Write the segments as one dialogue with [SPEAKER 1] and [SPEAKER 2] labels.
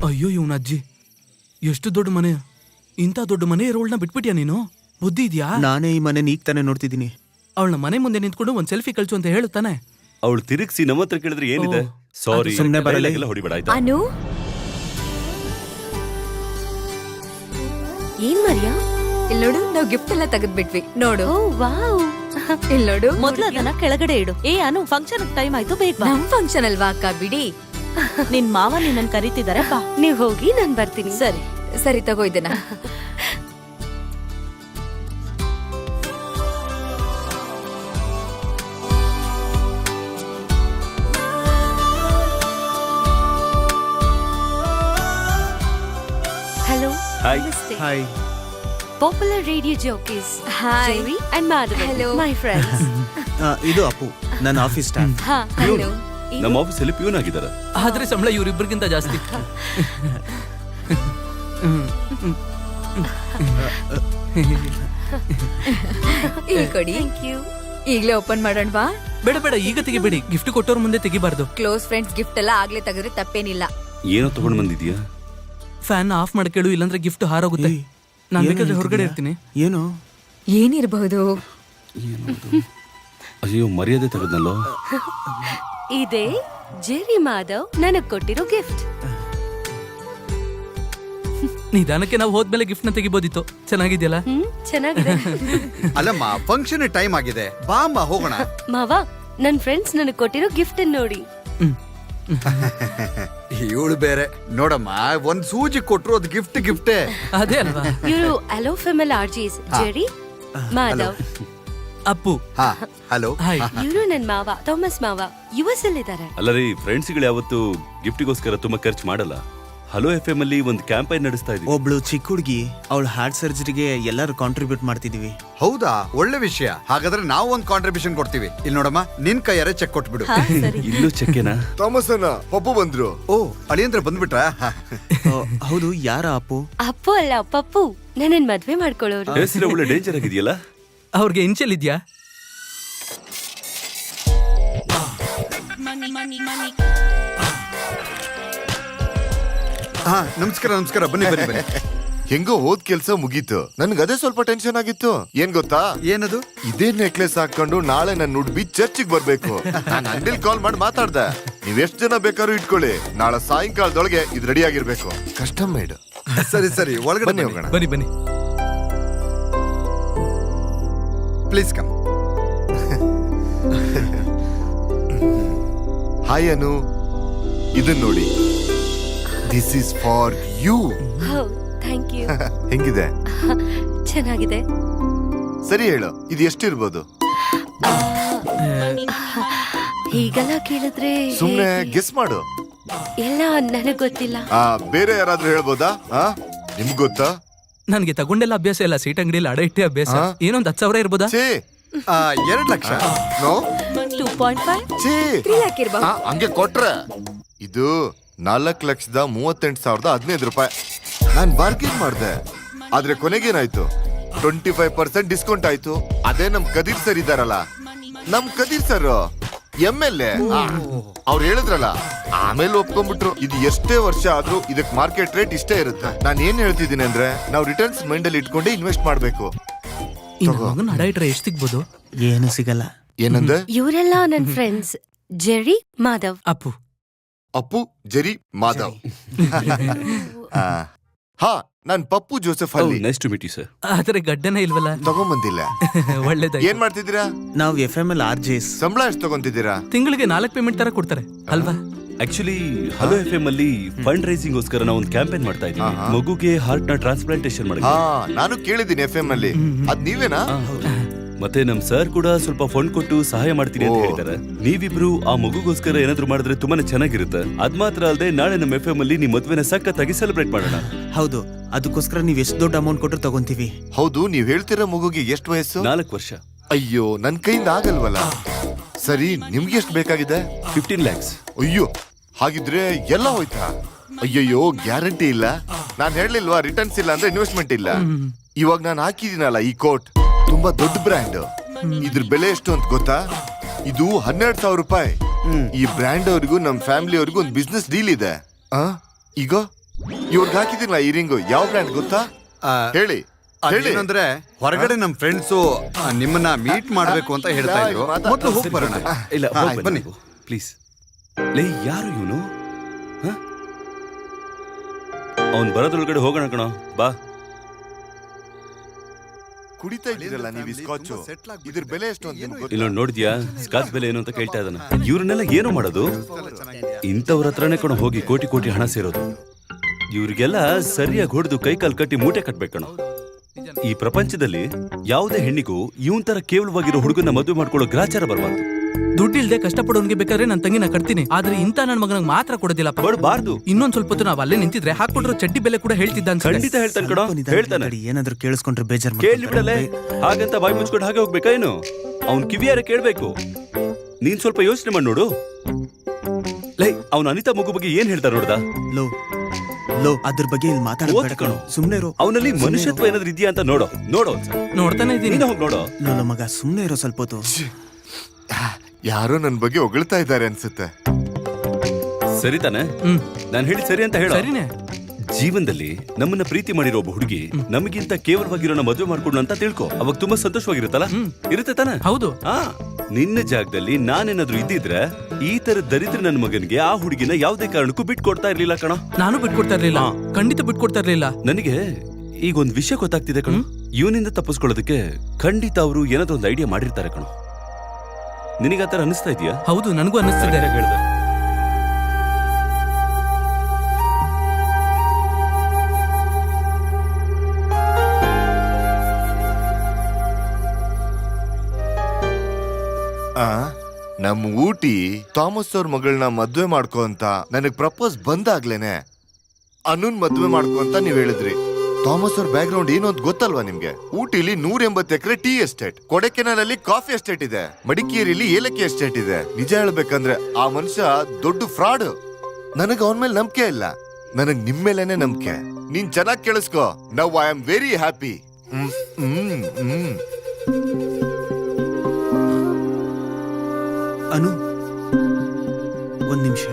[SPEAKER 1] ಅಯ್ಯೋ ಇವನ ಅಜ್ಜಿ, ಎಷ್ಟು ದೊಡ್ಡ ಮನೆ, ಇಂಥ ದೊಡ್ಡ ಮನೆ ಇರೋಳನ್ನ ಬಿಟ್ಬಿಟ್ಯಾ ನೀನು? ಬುದ್ಧಿ ಇದ್ಯಾ?
[SPEAKER 2] ನಾನೇ ಈ ಮನೆ ಈಗ ತಾನೇ ನೋಡ್ತಿದ್ದೀನಿ.
[SPEAKER 1] ಅವಳನ್ನ ಮನೆ ಮುಂದೆ ನಿಂತ್ಕೊಂಡು ಒಂದ್ ಸೆಲ್ಫಿ ಕಳ್ಸು ಅಂತ ಹೇಳುತ್ತಾನೆ.
[SPEAKER 3] ಅವಳು ತಿರುಗಿಸಿ ನಮ್ಮ ಹತ್ರ ಕೇಳಿದ್ರೆ ಏನಿದೆ? ಸಾರಿ,
[SPEAKER 2] ಸುಮ್ನೆ ಬರಲ್ಲ.
[SPEAKER 3] ಹೊಡಿಬೇಡ ಆಯ್ತಾ?
[SPEAKER 4] ಅನು, ಏನ್ ಮರ್ಯಾ?
[SPEAKER 5] ಇಲ್ಲೋಡು, ನಾವು ಗಿಫ್ಟ್ ಎಲ್ಲ ತೆಗೆದ್ಬಿಟ್ವಿ ನೋಡು.
[SPEAKER 4] ಓ ವಾವ್,
[SPEAKER 5] ಇಲ್ಲೋಡು.
[SPEAKER 4] ಮೊದ್ಲು ಅದನ್ನ ಕೆಳಗಡೆ ಇಡು. ಏ ಅನು, ಫಂಕ್ಷನ್ ಟೈಮ್ ಆಯ್ತು, ಬೇಗ ಬಾ.
[SPEAKER 5] ನಮ್ ಫಂಕ್ಷನ್ ಅಲ್ವಾ ಅಕ್ಕ, ಬಿಡಿ.
[SPEAKER 4] ನಿನ್ ಮಾವ ನಿನ್ನನ್ ಕರೀತಿದಾರೆ, ಬಾ. ನೀವ್ ಹೋಗಿ, ನಾನ್ ಬರ್ತೀನಿ. ಸರಿ
[SPEAKER 5] ಸರಿ, ತಗೋ ಇದನ್ನ.
[SPEAKER 4] Hello,
[SPEAKER 3] hi.
[SPEAKER 4] ನಮಸ್ತೆ.
[SPEAKER 2] Hi.
[SPEAKER 4] Popular radio jockeys
[SPEAKER 5] hi.
[SPEAKER 4] Jerry and Madhav,
[SPEAKER 5] Hello.
[SPEAKER 4] My friends.
[SPEAKER 2] ಇದು ಅಪ್ಪು, ನನ್ನ ಆಫೀಸ್ ಸ್ಟಾಫ್.
[SPEAKER 4] ಹಾ,
[SPEAKER 5] ಹಲೋ.
[SPEAKER 3] ನಮ್ಮ ಆಫೀಸಲ್ಲಿ ಪ್ಯೂನ್ ಆಗಿದ್ದಾರೆ.
[SPEAKER 1] ಆದ್ರೆ ಸಂಬಳ ಇವ್ರಿಬ್ರಿಗಿಂತ ಜಾಸ್ತಿ.
[SPEAKER 5] ಇಲ್ಲಿ ಕೊಡಿ.
[SPEAKER 4] Thank you.
[SPEAKER 5] ಈಗ್ಲೇ ಓಪನ್ ಮಾಡೋಣವಾ?
[SPEAKER 1] ಬೇಡ ಬೇಡ, ಈಗ ತೆಗಿಬೇಡಿ. ಗಿಫ್ಟ್ ಕೊಟ್ಟವ್ರ ಮುಂದೆ ತೆಗಿಬಾರ್ದು.
[SPEAKER 5] ಕ್ಲೋಸ್ ಫ್ರೆಂಡ್ಸ್ ಗಿಫ್ಟ್ ಎಲ್ಲ ಆಗ್ಲೇ ತೆಗೆದ್ರೆ ತಪ್ಪೇನಿಲ್ಲ.
[SPEAKER 3] ಏನೋ ತಗೊಂಡ್ ಬಂದಿದ್ಯಾ?
[SPEAKER 1] ಫ್ಯಾನ್ ಆಫ್ ಮಾಡ್ಕೇಳು, ಇಲ್ಲಾಂದ್ರೆ ಗಿಫ್ಟ್ ಹಾರೋಗುತ್ತೆ. ನಾನ್ ಬೇಕಾದ್ರೆ ಹೊರಗಡೆ ಇರ್ತೀನಿ.
[SPEAKER 2] ಏನು?
[SPEAKER 5] ಏನಿರಬಹುದು?
[SPEAKER 3] ಅಯ್ಯೋ, ಮರ್ಯಾದೆ ತೆಗೆದ್ನಲ್ಲೋ.
[SPEAKER 4] ಇದೇ ಜೆರಿ ಮಾಧವ್ ನನಗ್ ಕೊಟ್ಟಿರೋ ಗಿಫ್ಟ್.
[SPEAKER 1] ನಿಧಾನಕ್ಕೆ ನಾವು ಹೋದ್ಮೇಲೆ ಗಿಫ್ಟ್ ನ ತೆಗಿಬೋದಿತ್ತು. ಚೆನ್ನಾಗಿದ್ಯಲ್ಲ?
[SPEAKER 4] ಚೆನ್ನಾಗಿದೆ.
[SPEAKER 6] ಅಲ್ಲಮ್ಮ, ಫಂಕ್ಷನ್ ಟೈಮ್ ಆಗಿದೆ, ಬಾ ಅಮ್ಮ ಹೋಗೋಣ.
[SPEAKER 4] ಮಾವ, ನನ್ ಫ್ರೆಂಡ್ಸ್ ನನಗ್ ಕೊಟ್ಟಿರೋ ಗಿಫ್ಟ್ ನೋಡಿ.
[SPEAKER 6] ಇವಳು ಬೇರೆ ನೋಡಮ್ಮ, ಒಂದ್ ಸೂಜಿ ಕೊಟ್ರು ಅದು ಗಿಫ್ಟೇ.
[SPEAKER 1] ಅದೇ ಅಲ್ವಾ?
[SPEAKER 4] ಇವರು ಅಲೋ female RJs Jerry Madhav.
[SPEAKER 1] Appu.
[SPEAKER 6] ಹಾ, ಹಲೋ.
[SPEAKER 1] ಹಾಯ್.
[SPEAKER 4] ಇವರು ನನ್ ಮಾವ ಥಾಮಸ್ ಮಾವ, ಯುಎಸ್ ಅಲ್ಲಿ ಇದ್ದಾರೆ.
[SPEAKER 3] ಅಲ್ಲ ರೀ, ಫ್ರೆಂಡ್ಸ್ಗಳು ಯಾವತ್ತು ಗಿಫ್ಟಿಗೋಸ್ಕರ ತುಂಬಾ ಖರ್ಚು ಮಾಡಲ್ಲ. ಹಲೋ FM ಅಲ್ಲಿ ಒಂದು ಕ್ಯಾಂಪೈನ್ ನಡೆಸ್ತಾ ಇದೀವಿ.
[SPEAKER 2] ಒಬ್ಳು ಚಿಕ್ಕ ಹುಡುಗಿ, ಅವಳ ಹಾರ್ಟ್ ಸರ್ಜರಿಗೆ ಎಲ್ಲರೂ ಕಾಂಟ್ರಿಬ್ಯೂಟ್ ಮಾಡ್ತಿದೀವಿ.
[SPEAKER 6] ಹೌದಾ? ಒಳ್ಳೆ ವಿಷಯ. ಹಾಗಾದ್ರೆ ನಾವು ಒಂದ್ ಕಾಂಟ್ರಿಬ್ಯೂಷನ್ ಕೊಡ್ತೀವಿ. ಇಲ್ಲಿ ನೋಡಮ್ಮ, ನಿನ್ ಕೈಯಾರೆ ಚೆಕ್ ಕೊಟ್ಬಿಡು.
[SPEAKER 4] ಹಾ, ಸರಿ.
[SPEAKER 3] ಇಲ್ಲೂ ಚೆಕ್ಕೆನಾ?
[SPEAKER 7] ಥಾಮಸ್ ಅಣ್ಣ, ಪಪ್ಪು ಬಂದ್ರು.
[SPEAKER 6] ಓ, ಅಳಿಯಂದ್ರ ಬಂದ್ಬಿಟ್ರಾ?
[SPEAKER 2] ಹೌದು, ಯಾರ ಅಪ್ಪು?
[SPEAKER 4] ಅಪ್ಪು ಅಲ್ಲ, ಪಪ್ಪು. ನನ್ನನ್ ಮದ್ವೆ ಮಾಡ್ಕೊಳ್ಳೋರು.
[SPEAKER 3] ಹೆಸರು ಒಳ್ಳೆ ಡೇಂಜರ್ ಆಗಿದೆಯಲ್ಲ.
[SPEAKER 1] ಅವ್ರಿಗೆ ಇನ್ಷಿಯಲ್ ಇದ್ಯಾ?
[SPEAKER 6] ಹಾ, ನಮಸ್ಕಾರ ನಮಸ್ಕಾರ, ಬನ್ನಿ ಬನ್ನಿ ಬನ್ನಿ.
[SPEAKER 7] ಹೆಂಗೋ ಹೋದ್ ಕೆಲ್ಸ ಮುಗೀತು. ನನ್ಗೆ ಅದೇ ಸ್ವಲ್ಪ ಟೆನ್ಷನ್ ಆಗಿತ್ತು. ಏನ್ ಗೊತ್ತಾ?
[SPEAKER 6] ಏನದು?
[SPEAKER 7] ಇದೇ ನೆಕ್ಲೆಸ್ ಹಾಕೊಂಡು ನಾಳೆ ನನ್ನ ಉಡ್ಬಿ ಚರ್ಚಿಗೆ ಬರ್ಬೇಕು. ನಾನು ಅಂಗಡಿಲಿ ಕಾಲ್ ಮಾಡಿ ಮಾತಾಡ್ದೆ. ನೀವ್ ಎಷ್ಟ್ ಜನ ಬೇಕಾದ್ರೂ ಇಟ್ಕೊಳ್ಳಿ, ನಾಳೆ ಸಾಯಂಕಾಲದೊಳಗೆ ಇದು ರೆಡಿ ಆಗಿರ್ಬೇಕು. Custom made.
[SPEAKER 6] ಸರಿ ಸರಿ, ಒಳಗಡೆ
[SPEAKER 7] ಬನ್ನಿ
[SPEAKER 6] ಹೋಗೋಣ.
[SPEAKER 7] ಹೋಗೋಣ.
[SPEAKER 1] ಬನ್ನಿ ಬನ್ನಿ.
[SPEAKER 6] Please come.
[SPEAKER 7] ಹಾಯ್ ಅನು, ಇದನ್ ನೋಡಿ. This is for you.
[SPEAKER 4] Thank you.
[SPEAKER 7] ಹೆಂಗಿದೆ?
[SPEAKER 4] ಚೆನ್ನಾಗಿದೆ.
[SPEAKER 7] ಸರಿ ಹೇಳು, ಇದು ಎಷ್ಟಿರ್ಬೋದು?
[SPEAKER 4] ಹೀಗೆಲ್ಲ ಕೇಳಿದ್ರೆ
[SPEAKER 7] ಸುಮ್ನೆ ಗೆಸ್ ಮಾಡು.
[SPEAKER 4] ಎಲ್ಲ ನನಗ್ ಗೊತ್ತಿಲ್ಲ.
[SPEAKER 7] ಬೇರೆ ಯಾರಾದ್ರೂ ಹೇಳ್ಬೋದಾ? ನಿಮ್ಗ್ ಗೊತ್ತಾ?
[SPEAKER 1] ನನ್ಗೆ ತಗೊಂಡೆಲ್ಲ ಅಭ್ಯಾಸ ಇಲ್ಲ. ಸೀಟ್ ಅಂಗಡಿಯಲ್ಲಿ ಅಡ ಇಟ್ಟೆ ಅಭ್ಯಾಸ. ಏನೊಂದ್ 10,000 ಇರ್ಬೋದಾ?
[SPEAKER 7] ಛೇ,
[SPEAKER 6] 2 ಲಕ್ಷ.
[SPEAKER 7] ನೋ,
[SPEAKER 4] 2.5.
[SPEAKER 7] ಛೇ,
[SPEAKER 5] 3 ಲಕ್ಷ ಇರ್ಬಹುದು.
[SPEAKER 7] ಹಂಗೆ ಕೊಟ್ರೆ ಇದು 4,38,015 ರೂಪಾಯಿ. ನಾನ್ ಬಾರ್ಗೇನ್ ಮಾಡ್ದೆ, ಆದ್ರೆ ಕೊನೆಗೇನಾಯ್ತು? 25% ಡಿಸ್ಕೌಂಟ್ ಆಯ್ತು. ಅದೇ ನಮ್ ಕದೀರ್ ಸರ್ ಇದಾರಲ್ಲ, ನಮ್ ಕದೀರ್ ಸರ್ MLA, ಅವ್ರು ಹೇಳಿದ್ರಲ್ಲ, ಆಮೇಲೆ ಒಪ್ಕೊಂಡ್ಬಿಟ್ರು. ಇದು ಎಷ್ಟೇ ವರ್ಷ ಆದ್ರೂ ಇದಕ್ ಮಾರ್ಕೆಟ್ ರೇಟ್ ಇಷ್ಟೇ ಇರುತ್ತೆ. ನಾನ್ ಏನ್ ಹೇಳ್ತಿದ್ದೀನಿ ಅಂದ್ರೆ, ನಾವು ರಿಟರ್ನ್ಸ್ ಮೈಂಡ್ ಅಲ್ಲಿ ಇಟ್ಕೊಂಡೆ ಇನ್ವೆಸ್ಟ್ ಮಾಡ್ಬೇಕು.
[SPEAKER 1] ಮಗನ್ ಅಡ ಇಟ್ರೆ ಎಷ್ಟು ಸಿಗ್ಬೋದು?
[SPEAKER 2] ಏನು ಸಿಗಲ್ಲ.
[SPEAKER 7] ಏನಂದ್ರೆ?
[SPEAKER 4] ಇವರೆಲ್ಲ ನನ್ friends Jerry Madhav.
[SPEAKER 1] Appu.
[SPEAKER 7] Appu, Jerry, Madhav. ಹಾ, ನಾನ್ ಪಪ್ಪು ಜೋಸೆಫ್ ಅಲ್ಲಿ.
[SPEAKER 3] Nice to meet you sir.
[SPEAKER 1] ಆದ್ರೆ ಗಡ್ಡನೇ ಇಲ್ವಲ್ಲ.
[SPEAKER 7] ತಗೊಂಬಂದಿಲ್ಲ.
[SPEAKER 1] ಒಳ್ಳೇದಾಯ್ತು.
[SPEAKER 7] ಏನ್ ಮಾಡ್ತಿದ್ದೀರಾ?
[SPEAKER 2] ನಾವು FML RJs.
[SPEAKER 7] ಸಂಬಳ ಎಷ್ಟು ತಗೊಂತಿದ್ದೀರಾ?
[SPEAKER 1] ತಿಂಗಳಿಗೆ 4 ಪೇಮೆಂಟ್ ತರ ಕೊಡ್ತಾರೆ ಅಲ್ವಾ?
[SPEAKER 3] ಆಕ್ಚುಲಿ ಹಲೋ FM ಅಲ್ಲಿ ಫಂಡ್ ರೈಸಿಂಗ್ ಗೋಸ್ಕರ ನಾವು ಒಂದು ಕ್ಯಾಂಪೇನ್ ಮಾಡ್ತಾ ಇದ್ದೀವಿ. ಮಗುಗೆ ಹಾರ್ಟ್ ನ ಟ್ರಾನ್ಸ್ಪ್ಲಾಂಟೇಶನ್ ಮಾಡಿ.
[SPEAKER 7] ಹಾ, ನಾನು ಕೇಳಿದ್ದೀನಿ FM ಅಲ್ಲಿ. ಅದ್ ನೀವೇನಾ?
[SPEAKER 3] ಮತ್ತೆ ನಮ್ ಸರ್ ಕೂಡ ಸ್ವಲ್ಪ ಫಂಡ್ ಕೊಟ್ಟು ಸಹಾಯ ಮಾಡ್ತೀನಿ ಅಂತ ಹೇಳಿದ್ದಾರೆ. ನೀವಿಬ್ರು ಆ ಮಗುಗೋಸ್ಕರ ಏನಾದ್ರು ಮಾಡಿದ್ರೆ ತುಂಬಾನೇ ಚೆನ್ನಾಗಿರುತ್ತೆ. ಅದ್ ಮಾತ್ರ ಅಲ್ಲದೆ ನಾಳೆ ನಮ್ಮ FM ಅಲ್ಲಿ ನಿಮ್ ಮದ್ವೆನ ಸಖತ್ತಾಗಿ ಸೆಲೆಬ್ರೇಟ್ ಮಾಡೋಣ.
[SPEAKER 2] ಹೌದು, ಅದಕ್ಕೋಸ್ಕರ ನೀವ್ ಎಷ್ಟು ದೊಡ್ಡ ಅಮೌಂಟ್ ಕೊಟ್ಟರು ತಗೊಂತೀವಿ.
[SPEAKER 7] ಹೌದು, ನೀವ್ ಹೇಳ್ತಿರೋ ಮಗುಗೆ ಎಷ್ಟು ವಯಸ್ಸು?
[SPEAKER 3] 4 ವರ್ಷ.
[SPEAKER 7] ಅಯ್ಯೋ, ನನ್ ಕೈಯಿಂದ ಆಗಲ್ವಲ್ಲ. ಸರಿ, ನಿಮ್ಗೆ ಎಷ್ಟು ಬೇಕಾಗಿದೆ?
[SPEAKER 3] 15 lakhs.
[SPEAKER 7] ಅಯ್ಯೋ, ಹಾಗಿದ್ರೆ ಎಲ್ಲ ಹೋಯ್ತಾ? ಅಯ್ಯಯ್ಯೋ, ಗ್ಯಾರಂಟಿ ಇಲ್ಲ. ನಾನ್ ಹೇಳಲಿಲ್ವಾ, ರಿಟರ್ನ್ಸ್ ಇಲ್ಲ ಅಂದ್ರೆ ಇನ್ವೆಸ್ಟ್ಮೆಂಟ್ ಇಲ್ಲ. ಇವಾಗ ನಾನು ಹಾಕಿದೀನಲ್ಲ ಈ ಕೋಟ್, ತುಂಬಾ ದೊಡ್ಡ ಬ್ರ್ಯಾಂಡ್. ಇದ್ರ ಬೆಲೆ ಎಷ್ಟು ಅಂತ ಗೊತ್ತಾ? ಇದು 12,000 ರೂಪಾಯಿ. ಈ ಬ್ರ್ಯಾಂಡ್ ಅವ್ರಿಗೂ ನಮ್ ಫ್ಯಾಮಿಲಿ ಅವ್ರಿಗೂ ಒಂದು ಬಿಸ್ನೆಸ್ ಡೀಲ್ ಇದೆ. ಈಗ ಇವ್ರಿಗೆ ಹಾಕಿದಿಲ್ಲ ಈ ರಿಂಗು ಯಾವ ಬ್ರ್ಯಾಂಡ್ ಗೊತ್ತಾ?
[SPEAKER 6] ಆ,
[SPEAKER 7] ಹೇಳಿ ಹೇಳಿ.
[SPEAKER 6] ಅದೇನಂದ್ರೆ ಹೊರಗಡೆ ನಮ್ ಫ್ರೆಂಡ್ಸು ನಿಮ್ಮನ್ನ ಮೀಟ್ ಮಾಡ್ಬೇಕು ಅಂತ ಹೇಳ್ತಾ ಇದ್ರು. ಮೊದ್ಲು ಹೋಗಿ ಬರೋಣ.
[SPEAKER 3] ಇಲ್ಲ
[SPEAKER 6] ಹಾ,
[SPEAKER 3] ಹೋಗ್
[SPEAKER 6] ಬನ್ನಿ.
[SPEAKER 3] ಬನ್ನಿ ಪ್ಲೀಸ್. ಲೇ ಯಾರು ಇವನು? ಅವನ್ ಬರೋದ್ರೊಳಗಡೆ ಹೋಗೋಣ ಕಣೋ, ಬಾ.
[SPEAKER 7] ಕುಡಿತಾ ಇದ್ದೀರಲ್ಲ ನೀವು ಈ ಸ್ಕಾಚು, ಇದ್ರ ಬೆಲೆ ಎಷ್ಟು ಅಂತ ನಿಮ್ಗೆ ಗೊತ್ತಾ?
[SPEAKER 3] ಇಲ್ಲ ನೋಡಿದ್ಯಾ ಸ್ಕಾಚ್ ಬೆಲೆ ಏನು ಅಂತ ಕೇಳ್ತಾ ಇದ್ದಾನ. ಇವ್ರನ್ನೆಲ್ಲ ಏನು ಮಾಡೋದು? ಇಂಥವ್ರ ಹತ್ರನೇ ಕಣೋ ಹೋಗಿ ಕೋಟಿ ಕೋಟಿ ಹಣ ಸೇರೋದು. ಇವ್ರಿಗೆಲ್ಲ ಸರಿಯಾಗಿ ಹೊಡೆದು ಕೈಕಾಲು ಕಟ್ಟಿ ಮೂಟೆ ಕಟ್ಬೇಕಣ. ಈ ಪ್ರಪಂಚದಲ್ಲಿ ಯಾವುದೇ ಹೆಣ್ಣಿಗೂ ಇವನ್ ತರ ಕೇವಲವಾಗಿರೋ ಹುಡುಗನ ಮದುವೆ ಮಾಡ್ಕೊಳ್ಳೋ ಗ್ರಾಚಾರ ಬರಬಾರ್ದು.
[SPEAKER 1] ದುಡ್ಡಿಲ್ದೆ ಕಷ್ಟಪಡೋನ್ಗೆ ಬೇಕಾದ್ರೆ ನನ್ನ ತಂಗಿನ ಕಟ್ತೀನಿ, ಆದ್ರೆ ಇಂತ ನನ್ನ ಮಗನಿಗೆ ಮಾತ್ರ ಕೊಡೋದಿಲ್ಲಪ್ಪ.
[SPEAKER 3] ಕೊಡಬಾರ್ದು.
[SPEAKER 1] ಇನ್ನೊಂದ್ ಸ್ವಲ್ಪ ಹೊತ್ತು ನಾವ್ ಅಲ್ಲೇ ನಿಂತಿದ್ರೆ ಹಾಕೊಟ್ರು ಚಡ್ಡಿ ಬೆಲೆ ಕೂಡ ಹೇಳ್ತಿದ್ದ ಅನ್ಸುತ್ತೆ.
[SPEAKER 3] ಖಂಡಿತ ಹೇಳ್ತಾನೆ ಕಣೋ, ಹೇಳ್ತಾನೆ.
[SPEAKER 2] ಏನಾದ್ರೂ ಕೇಳಿಸ್ಕೊಂಡ್ರೆ ಬೇಜಾರ್
[SPEAKER 3] ಕೇಳಿ ಬಿಡಲೆ, ಹಾಗಂತ ಬಾಯಿ ಮುಚ್ಕೊಂಡು ಹಾಗೆ ಹೋಗ್ಬೇಕಾ ಏನು? ಅವ್ನ್ ಕಿವಿಯಾರ ಕೇಳ್ಬೇಕು. ನೀನ್ ಸ್ವಲ್ಪ ಯೋಚನೆ ಮಾಡಿ ನೋಡು. ಲೈ ಅವ್ನ ಅನಿತಾ ಮಗು ಬಗ್ಗೆ ಏನ್ ಹೇಳ್ತಾರ ನೋಡ್ದ?
[SPEAKER 2] ಲೋ ಅದ್ರ ಬಗ್ಗೆ ಇಲ್ಲಿ ಮಾತಾಡಬೇಡ ಕಣೋ, ಸುಮ್ನೆ ಇರೋ.
[SPEAKER 3] ಅವನಲ್ಲಿ ಮನುಷ್ಯತ್ವ ಏನಾದ್ರು ಇದೆಯಾ ಅಂತ ನೋಡೋ.
[SPEAKER 1] ನೋಡ್ತಾನೆ ಇದೀನಿ.
[SPEAKER 3] ನೀನು ಹೋಗಿ ನೋಡೋ.
[SPEAKER 2] ಲೋ ಮಗ ಸುಮ್ನೆ ಇರೋ ಸ್ವಲ್ಪ ಹೊತ್ತು.
[SPEAKER 7] ಯಾರೋ ನನ್ ಬಗ್ಗೆ ಹೊಗಳ್ತಾ ಇದ್ದಾರೆ ಅನ್ಸುತ್ತೆ.
[SPEAKER 3] ಸರಿ ತಾನೆ? ನಾನು ಹೇಳಿ ಸರಿ ಅಂತ ಹೇಳ.
[SPEAKER 1] ಸರಿನೇ.
[SPEAKER 3] ಜೀವನದಲ್ಲಿ ನಮ್ಮನ್ನ ಪ್ರೀತಿ ಮಾಡಿರೋ ಒಬ್ಬ ಹುಡುಗಿ ನಮಗಿಂತ ಕೇವಲವಾಗಿರೋನ ಮದುವೆ ಮಾಡ್ಕೊಂಡು ಅಂತ ತಿಳ್ಕೊ. ಅವಾಗ ತುಂಬಾ ಸಂತೋಷವಾಗಿರುತ್ತಲ್ಲ? ಇರುತ್ತೆ ತಾನೆ?
[SPEAKER 1] ಹೌದು.
[SPEAKER 3] ನಿನ್ನ ಜಾಗದಲ್ಲಿ ನಾನೇನಾದ್ರೂ ಇದ್ದಿದ್ರೆ ಈ ತರ ದರಿದ್ರ ನನ್ನ ಮಗನಿಗೆ ಆ ಹುಡುಗಿನ ಯಾವುದೇ ಕಾರಣಕ್ಕೂ ಬಿಟ್ಕೊಡ್ತಾ ಇರ್ಲಿಲ್ಲ ಕಣ.
[SPEAKER 1] ನಾನು ಬಿಟ್ಕೊಡ್ತಾ ಇರ್ಲಿಲ್ಲ, ಖಂಡಿತ ಬಿಟ್ಕೊಡ್ತಾ ಇರ್ಲಿಲ್ಲ.
[SPEAKER 3] ನನಗೆ ಈಗ ಒಂದ್ ವಿಷಯ ಗೊತ್ತಾಗ್ತಿದೆ ಕಣ. ಇವನಿಂದ ತಪ್ಪಿಸ್ಕೊಳ್ಳೋದಕ್ಕೆ ಖಂಡಿತ ಅವರು ಏನಾದ್ರೂ ಒಂದು ಐಡಿಯಾ ಮಾಡಿರ್ತಾರೆ ಕಣ. ನಿನಗೆ ಆತರ ಅನಿಸ್ತಾ ಇದೆಯಾ?
[SPEAKER 1] ಹೌದು, ನನಗೂ ಅನ್ನಿಸ್ತಿದೆ.
[SPEAKER 3] ಹೇಳ್ದೆ.
[SPEAKER 7] ನಮ್ ಊಟಿ ಥಾಮಸ್ ಅವ್ರ ಮಗಳನ್ನ ಮದ್ವೆ ಮಾಡ್ಕೊ ಅಂತ ನನಗ್ ಪ್ರಪೋಸ್ ಬಂದಾಗ್ಲೇನೆ ಅನುನ್ ಮದ್ವೆ ಮಾಡ್ಕೊ ಅಂತ ನೀವ್ ಹೇಳಿದ್ರಿ. ಥಾಮಸ್ ಅವ್ರ ಬ್ಯಾಕ್ ಗ್ರೌಂಡ್ ಏನು ಅಂತ ಗೊತ್ತಲ್ವಾ ನಿಮ್ಗೆ? ಊಟಿಲಿ 180 ಎಕರೆ ಟೀ ಎಸ್ಟೇಟ್, ಕೊಡೆಕೆನಾಲ್ ಅಲ್ಲಿ ಕಾಫಿ ಎಸ್ಟೇಟ್ ಇದೆ, ಮಡಿಕೇರಿಲಿ ಏಲಕ್ಕಿ ಎಸ್ಟೇಟ್ ಇದೆ. ನಿಜ ಹೇಳ್ಬೇಕಂದ್ರೆ ಆ ಮನುಷ್ಯ ದೊಡ್ಡ ಫ್ರಾಡ್. ನನಗ್ ಅವನ ಮೇಲೆ ನಂಬಿಕೆ ಇಲ್ಲ, ನನಗ್ ನಿಮ್ ಮೇಲೇನೆ ನಂಬಿಕೆ. ನೀನ್ ಚೆನ್ನಾಗಿ ಕೇಳಿಸ್ಕೊ. Now I am very happy.
[SPEAKER 2] Anu ಒಂದ್ ನಿಮಿಷ.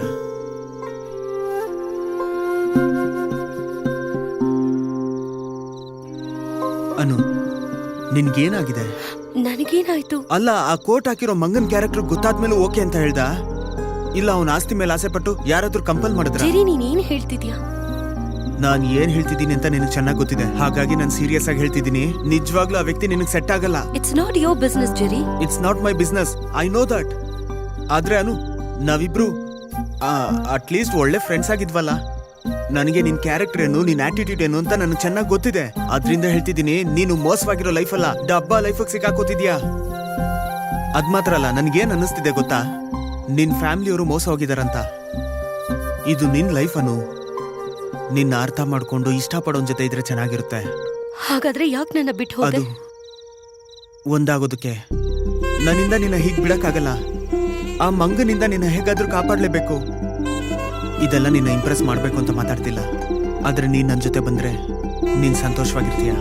[SPEAKER 2] ಅನು ನಿನ್ಗೇನಾಗಿದೆ?
[SPEAKER 4] ನನಗೇನಾಯ್ತು?
[SPEAKER 2] ಅಲ್ಲ, ಆ ಕೋಟ್ ಹಾಕಿರೋ ಮಂಗನ್ ಕ್ಯಾರೆಕ್ಟರ್ ಗೊತ್ತಾದ್ಮೇಲೆ ಓಕೆ ಅಂತ ಹೇಳ್ದ? ಇಲ್ಲ ಅವನ ಆಸ್ತಿ ಮೇಲೆ ಆಸೆ ಪಟ್ಟು ಯಾರಾದ್ರೂ ಕಂಪಲ್ ಮಾಡಿದ್ರ?
[SPEAKER 4] ಜೆರಿ, ನೀನೇನ್ ಹೇಳ್ತಿದ್ಯಾ?
[SPEAKER 2] ನಾನ್ ಏನ್ ಹೇಳ್ತಿದ್ದೀನಿ ಅಂತ ನಿನಗೆ ಚೆನ್ನಾಗಿ ಗೊತ್ತಿದೆ, ಹಾಗಾಗಿ ನಾನು ಸೀರಿಯಸ್ ಆಗಿ ಹೇಳ್ತಿದ್ದೀನಿ. ನಿಜವಾಗ್ಲೂ ಆ ವ್ಯಕ್ತಿ ನಿನಗೆ ಸೆಟ್ ಆಗಲ್ಲ.
[SPEAKER 4] It's not your business Jerry.
[SPEAKER 2] It's not my business, I know that. ಆದ್ರೆ ಅನು, ನಾವಿಬ್ರು ಅಟ್ಲೀಸ್ಟ್ ಒಳ್ಳೆ ಫ್ರೆಂಡ್ಸ್ ಆಗಿದ್ವಲ್ಲ. ನನಗೆ ನಿನ್ ಕ್ಯಾರೆಕ್ಟರ್ ಏನು, ನಿನ್ ಆಟಿಟ್ಯೂಡ್ ಏನು ಅಂತ ನನಗೆ ಚೆನ್ನಾಗಿ ಗೊತ್ತಿದೆ. ಅದ್ರಿಂದ ಹೇಳ್ತಿದ್ದೀನಿ, ನೀನು ಮೋಸವಾಗಿರೋ ಲೈಫ್ ಅಲ್ಲ, ಡಬ್ಬಾ ಲೈಫ್ ಸಿಕ್ಕಾಕೋತಿದ್ಯಾ. ಅದ್ ಮಾತ್ರ ಅಲ್ಲ, ನನ್ಗೇನ್ ಅನ್ನಿಸ್ತಿದೆ ಗೊತ್ತಾ? ನಿನ್ ಫ್ಯಾಮಿಲಿಯವರು ಮೋಸ ಹೋಗಿದಾರಂತ. ಇದು ನಿನ್ ಲೈಫ್ ಅನು. ನಿನ್ನ ಅರ್ಥ ಮಾಡ್ಕೊಂಡು ಇಷ್ಟಪಡೋನ್ ಜೊತೆ ಇದ್ರೆ ಚೆನ್ನಾಗಿರುತ್ತೆ.
[SPEAKER 4] ಹಾಗಾದ್ರೆ ಯಾಕೆ ನನ್ನ ಬಿಟ್ಟು ಹೋದೆ?
[SPEAKER 2] ಅದು ಒಂದಾಗೋದಕ್ಕೆ ನನ್ನಿಂದ ನಿನ್ನ ಹೀಗ್ ಬಿಡಕ್ಕಾಗಲ್ಲ. ಆ ಮಂಗನಿಂದ ನಿನ್ನ ಹೇಗಾದ್ರೂ ಕಾಪಾಡ್ಲೇಬೇಕು. ಇದೆಲ್ಲ ನಿನ್ನ ಇಂಪ್ರೆಸ್ ಮಾಡ್ಬೇಕು ಅಂತ ಮಾತಾಡ್ತಿಲ್ಲ, ಆದ್ರೆ ನೀನ್ ನನ್ ಜೊತೆ ಬಂದ್ರೆ ನೀನ್ ಸಂತೋಷವಾಗಿರ್ತೀಯ.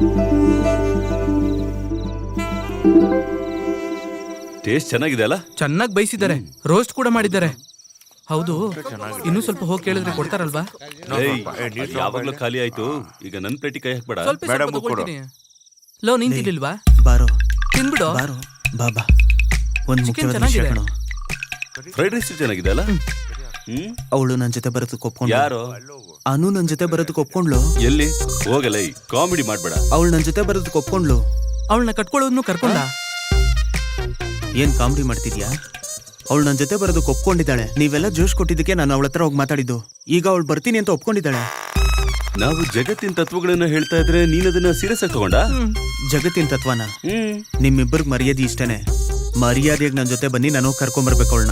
[SPEAKER 3] ಟೇಸ್ಟ್ ಚೆನ್ನಾಗಿದೆ ಅಲ್ಲ?
[SPEAKER 1] ಚೆನ್ನಾಗಿ ಬೈಸಿದ್ದಾರೆ, ರೋಸ್ಟ್ ಕೂಡ ಮಾಡಿದ್ದಾರೆ. ಹೌದು, ಇನ್ನೂ ಸ್ವಲ್ಪ ಹೋಗಿ ಕೇಳಿದ್ರೆ ಕೊಡ್ತಾರಲ್ವಾ?
[SPEAKER 3] ಏಯ್, ಅದು ಯಾವಾಗ್ಲೂ ಖಾಲಿ ಆಯ್ತು. ಈಗ ನನ್ ಪ್ಲೇಟಿಗೆ ಕೈ ಹಾಕ್ಬೇಡ.
[SPEAKER 1] ಸ್ವಲ್ಪ ತಗೊಳ್ತೀನಿ. ಲೋ, ನೀನ್ ತಿನ್ಲಿಲ್ವಾ?
[SPEAKER 2] ಬಾರೋ
[SPEAKER 1] ತಿನ್ಬಿಡು.
[SPEAKER 2] ಬಾರೋ ಬಾಬಾ. ಒಂದ್
[SPEAKER 1] Chicken
[SPEAKER 2] ಮುಖ್ಯವಾದ ವಿಷಯ
[SPEAKER 1] ಚೆನ್ನಾಗಿದೆ.
[SPEAKER 2] ಕಣೋ.
[SPEAKER 3] ಫ್ರೈಡ್ ರೈಸ್ ಚೆನ್ನಾಗಿದೆ ಅಲ್ಲ?
[SPEAKER 2] ಅವಳು ನನ್ ಜೊತೆ ಬರೋದಕ್ಕೆ ಒಪ್ಕೊಂಡ್ಳು.
[SPEAKER 3] ಯಾರು?
[SPEAKER 2] ಅನು ನನ್ ಜೊತೆ ಬರೋದಕ್ಕೆ ಒಪ್ಕೊಂಡ್ಲು.
[SPEAKER 3] ಎಲ್ಲಿ ಹೋಗಲ್ಲ, ಈ ಕಾಮಿಡಿ ಮಾಡ್ಬೇಡ.
[SPEAKER 2] ಅವಳು ನನ್ ಜೊತೆ ಬರೋದಕ್ಕೆ ಒಪ್ಕೊಂಡ್ಲು.
[SPEAKER 1] ಅವಳನ್ನ ಕಟ್ಕೊಳ್ಳೋದ್ನು ಕರ್ಕೊಂಡ.
[SPEAKER 2] ಏನ್ ಕಾಮಿಡಿ ಮಾಡ್ತಿದ್ಯಾ? ಅವಳು ನನ್ ಜೊತೆ ಬರೋದಕ್ಕೆ ಒಪ್ಕೊಂಡಿದ್ದಾಳೆ. ನೀವೆಲ್ಲ ಜೋಶ್ ಕೊಟ್ಟಿದ್ದಕ್ಕೆ ನಾನು ಅವಳ ಹತ್ರ ಹೋಗಿ ಮಾತಾಡಿದ್ದು. ಈಗ ಅವಳು ಬರ್ತೀನಿ ಅಂತ ಒಪ್ಕೊಂಡಿದ್ದಾಳೆ.
[SPEAKER 3] ನಾವು ಜಗತ್ತಿನ ತತ್ವಗಳನ್ನ ಹೇಳ್ತಾ ಇದ್ರೆ ನೀನ್ ಅದನ್ನ ಸೀರಿಯಸ್ ಆಗಿ ತಗೊಂಡ?
[SPEAKER 2] ಜಗತ್ತಿನ ತತ್ವನ? ನಿಮ್ಮಿಬ್ಬರಿಗೆ ಮರ್ಯಾದೆ ಇಷ್ಟನೇ. ಮರ್ಯಾದೆಯಾಗಿ ನನ್ ಜೊತೆ ಬನ್ನಿ, ನಾನು ಕರ್ಕೊಂಡ್ಬರ್ಬೇಕು ಅವಳನ್ನ.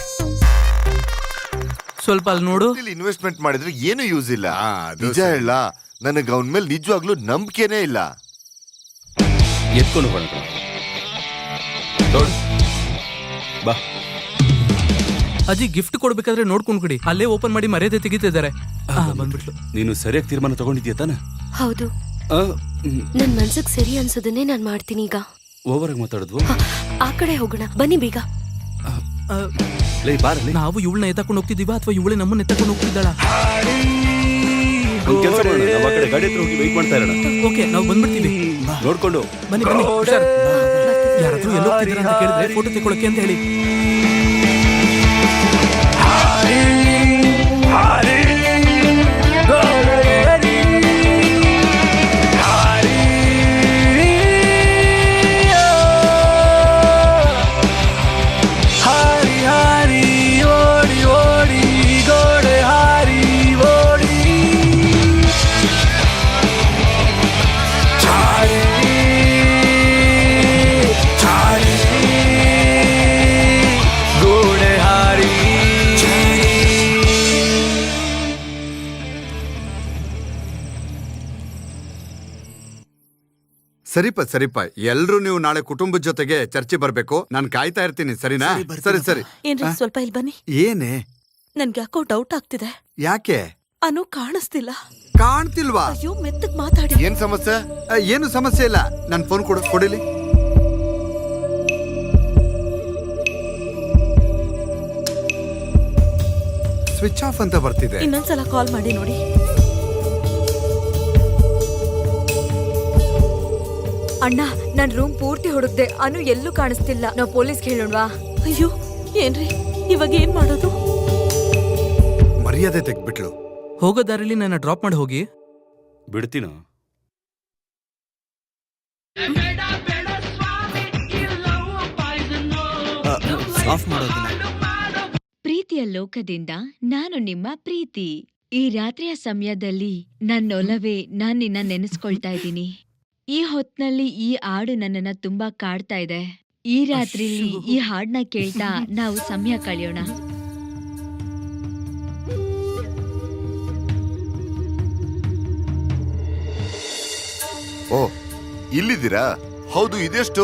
[SPEAKER 1] ಸ್ವಲ್ಪ ಅಲ್ಲಿ ನೋಡು.
[SPEAKER 7] ಇನ್ವೆಸ್ಟ್ಮೆಂಟ್ ಮಾಡಿದ್ರೆ ಏನು ಯೂಸ್ ಇಲ್ಲ.
[SPEAKER 6] ಅದು
[SPEAKER 7] ನಿಜ ಹೇಳ, ನನಗೆ ಅವನ ಮೇಲೆ ನಿಜವಾಗ್ಲೂ ನಂಬಿಕೆನೇ ಇಲ್ಲ.
[SPEAKER 3] ಎತ್ಕೊಂಡು ಹೋಗೋಣ ನೋಡು. ಬಾ.
[SPEAKER 1] ಅಜ್ಜಿ ಗಿಫ್ಟ್ ಕೊಡ್ಬೇಕಾದ್ರೆ ನೋಡ್ಕೊಂಡ್ ಕೊಡಿ. ಅಲ್ಲೇ ಓಪನ್ ಮಾಡಿ ಮರ್ಯಾದೆ ತೆಗಿತಿದ್ದಾರೆ. ಬಂದ್ಬಿಟ್ಲು.
[SPEAKER 3] ನೀನು ಸರಿಯಾಗಿ ತೀರ್ಮಾನ ತಗೊಂಡಿದ್ಯಾ ತಾನೆ?
[SPEAKER 4] ಹೌದು, ನನ್ ಮನ್ಸಿಗೆ ಸರಿ ಅನ್ಸೋದನ್ನೇ ನಾನ್ ಮಾಡ್ತೀನಿ. ಈಗ
[SPEAKER 3] ಓವರ್ ಆಗಿ ಮಾತಾಡಿದ್ವು.
[SPEAKER 4] ಆ ಕಡೆ ಹೋಗೋಣ, ಬನ್ನಿ ಬೇಗ.
[SPEAKER 3] ಲೈ ಬಾರಲ್ಲಿ.
[SPEAKER 1] ನಾವು ಇವಳನ್ನ ಎತ್ತಕೊಂಡು ಹೋಗ್ತಿದೀವ ಅಥವಾ ಇವಳೆ ನಮ್ಮನ್ನ ಎತ್ತಕೊಂಡು ಹೋಗ್ತಿದ್ದಾಳ?
[SPEAKER 3] ಒಂದ್ ಕೆಲಸ ಮಾಡೋಣ, ನಾವು ಆ ಕಡೆ ಗಾಡಿ ಹತ್ರ ಹೋಗಿ ವೆಯ್ಟ್ ಮಾಡ್ತಾ ಇರೋಣ.
[SPEAKER 1] ಓಕೆ ನಾವು ಬಂದ್ಬಿಡ್ತೀವಿ.
[SPEAKER 3] ನೋಡ್ಕೊಂಡು
[SPEAKER 1] ಬನ್ನಿ ಬನ್ನಿ ಹುಷಾರ್. ಯಾರಾದ್ರೂ ಎಲ್ಲೋ ಹೋಗ್ತಿದ್ದೀರಾ ಅಂತ ಕೇಳಿದ್ರೆ ಫೋಟೋ ತೆಗೊಳಕ್ಕೆ ಅಂತ ಹೇಳಿ.
[SPEAKER 6] ಸರಿಪ ಎಲ್ರು ನೀವು ನಾಳೆ ಕುಟುಂಬದ ಜೊತೆಗೆ ಚರ್ಚೆ ಬರ್ಬೇಕು. ನಾನು ಕಾಯ್ತಾ ಇರ್ತೀನಿ, ಸರಿನಾ? ಸರಿ.
[SPEAKER 4] ಏನ್ರಿ ಸ್ವಲ್ಪ ಇಲ್ಲಿ ಬನ್ನಿ.
[SPEAKER 6] ಏನೇ?
[SPEAKER 4] ನನ್ಗೆ ಯಾಕೋ ಡೌಟ್ ಆಗ್ತಿದೆ.
[SPEAKER 6] ಯಾಕೆ?
[SPEAKER 4] ಅನು ಕಾಣಿಸ್ತಿಲ್ಲ.
[SPEAKER 6] ಕಾಣ್ತಿಲ್ವಾ?
[SPEAKER 4] ಅಯ್ಯೋ ಮೆತ್ತಗ್ ಮಾತಾಡಿ.
[SPEAKER 7] ಏನ್ ಸಮಸ್ಯೆ?
[SPEAKER 6] ಏನು ಸಮಸ್ಯೆ ಇಲ್ಲ. ನನ್ ಫೋನ್ ಕೊಡಿಲಿ. ಸ್ವಿಚ್ ಆಫ್ ಅಂತ ಬರ್ತಿದೆ.
[SPEAKER 4] ಇನ್ನೊಂದ್ಸಲ ಕಾಲ್ ಮಾಡಿ ನೋಡಿ.
[SPEAKER 5] ಅಣ್ಣ, ನನ್ ರೂಮ್ ಪೂರ್ತಿ ಹುಡುಕ್ದೆ, ಅನು ಎಲ್ಲೂ ಕಾಣಿಸ್ತಿಲ್ಲ. ನಾವು ಪೊಲೀಸ್ಗೆ ಹೇಳೋಣವಾ?
[SPEAKER 4] ಅಯ್ಯೋ ಏನ್ರಿ ಇವಾಗ ಏನ್ ಮಾಡೋದು?
[SPEAKER 6] ಮರ್ಯಾದೆ ತೆಗ್ಬಿಟ್ಲು.
[SPEAKER 1] ಹೋಗೋ ದಾರಿಲಿ ನನ್ನ ಡ್ರಾಪ್ ಮಾಡಿ ಹೋಗಿ.
[SPEAKER 3] ಬಿಡ್ತೀನೋ?
[SPEAKER 2] ಆಫ್ ಮಾಡೋದನ್ನ.
[SPEAKER 8] ಪ್ರೀತಿಯ ಲೋಕದಿಂದ ನಾನು ನಿಮ್ಮ ಪ್ರೀತಿ. ಈ ರಾತ್ರಿಯ ಸಮಯದಲ್ಲಿ ನನ್ನೊಲವೇ ನಾನ್ ನಿನ್ನ ನೆನೆಸ್ಕೊಳ್ತಾ ಇದ್ದೀನಿ. ಈ ಹೊತ್ನಲ್ಲಿ ಈ ಹಾಡು ನನ್ನನ್ನ ತುಂಬಾ ಕಾಡ್ತಾ ಇದೆ. ಈ ರಾತ್ರಿಲಿ ಈ ಹಾಡ್ನ ಕೇಳ್ತಾ ನಾವು ಸಮಯ ಕಳೆಯೋಣ.
[SPEAKER 7] ಓ, ಇಲ್ಲಿದ್ದೀರಾ? ಹೌದು, ಇದೆಷ್ಟು?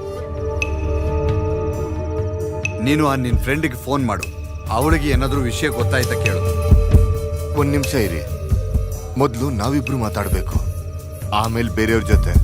[SPEAKER 6] ನೀನು ಆ ನಿನ್ ಫ್ರೆಂಡಿಗೆ ಫೋನ್ ಮಾಡು. ಅವಳಿಗೆ ಏನಾದ್ರೂ ವಿಷಯ ಗೊತ್ತಾಯ್ತಾ ಕೇಳು.
[SPEAKER 7] ಒಂದ್ ನಿಮಿಷ ಇರಿ. ಮೊದ್ಲು ನಾವಿಬ್ರು ಮಾತಾಡ್ಬೇಕು, ಆಮೇಲೆ ಬೇರೆಯವ್ರ ಜೊತೆ.